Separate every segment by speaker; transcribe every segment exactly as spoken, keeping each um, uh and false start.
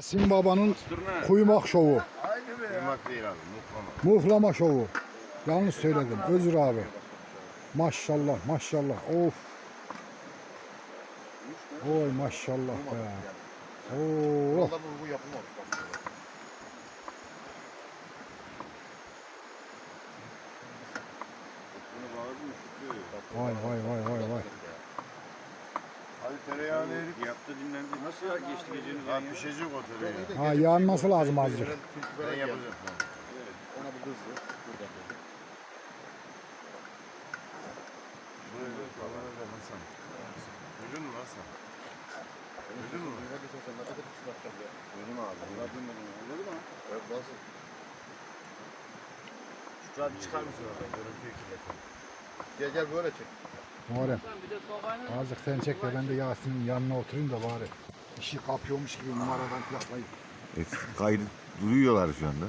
Speaker 1: Yasin Baba'nın kuymak şovu.
Speaker 2: Kuymak değil abi, muhlama.
Speaker 1: Muhlama şovu. Yanlış söyledim. Özür abi. Maşallah maşallah. Of. Oy maşallah be. Oo.
Speaker 2: Valla bu yapılmadı.
Speaker 1: Vay vay vay vay vay.
Speaker 2: Hadi tereyağını erik. Yaptı dinlendi. Nasıl ya geçti gecenin? Ha pişecek o tereyağı.
Speaker 1: Ha yanması lazım azıcık.
Speaker 2: Ben yapacağım.
Speaker 3: Evet, ona bir hızlı. Burada.
Speaker 2: Şuraya falan da Hasan. Duydun mu Hasan? Duydun mu?
Speaker 3: Ne diyorsun sen? Ne kadar kısa bakacağım ya?
Speaker 2: Duydum abi.
Speaker 3: Anladın mı? Anladın mı?
Speaker 2: Evet nasıl? Şu abi çıkar mısın oradan? Görüntüyü kirletin.
Speaker 3: Gel gel böyle çek.
Speaker 1: Muharrem. Azıcık sen çek de ben de Yasin'in yanına oturayım da bari. İşi kapıyormuş gibi numaradan yapmayın.
Speaker 4: Evet, kaydı duruyorlar şu anda.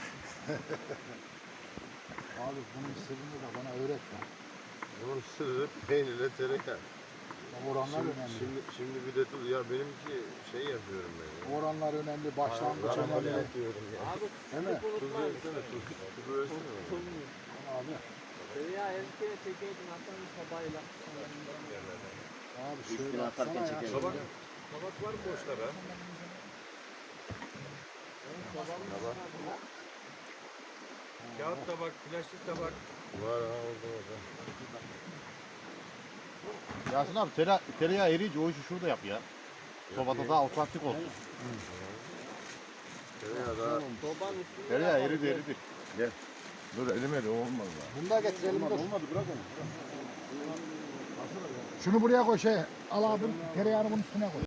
Speaker 1: Abi bunun sırrını da bana öğretme.
Speaker 2: Bunun sırrı peynirle tereyağı.
Speaker 1: Oranlar
Speaker 2: Şimdi,
Speaker 1: önemli.
Speaker 2: şimdi, şimdi bir de dur ya benimki şey yapıyorum ben ya.
Speaker 1: Oranlar önemli. Başlangıç önemli.
Speaker 2: yapıyorum ya.
Speaker 5: Abi
Speaker 1: Değil mi?
Speaker 2: Tuz versene tuz. Tuz versene.
Speaker 1: Abi.
Speaker 5: ya erkeğe çekeydin Hasan'ın sabahıyla.
Speaker 1: Abi
Speaker 3: Üstüne
Speaker 1: şöyle
Speaker 3: atarken
Speaker 1: atsana ya.
Speaker 3: çekelim.
Speaker 2: Tabak, tabak var mı boşlara? Kağıt tabak, plastik tabak. Var ha orada orada.
Speaker 3: Yasin abi tere, tereyağı eriyince o işi şurada yap ya. Sobada daha otantik olsun.
Speaker 2: Tereyağı da
Speaker 5: Sobanın üstünde
Speaker 3: Tereyağı
Speaker 5: yapalım.
Speaker 3: eridi eridi.
Speaker 2: gel. Dur elime de o olmaz lan.
Speaker 1: Bunu da getirelim dur.
Speaker 3: Olmadı bırak onu.
Speaker 1: Şunu buraya koy şey. Al abi tereyağını bunun üstüne koy.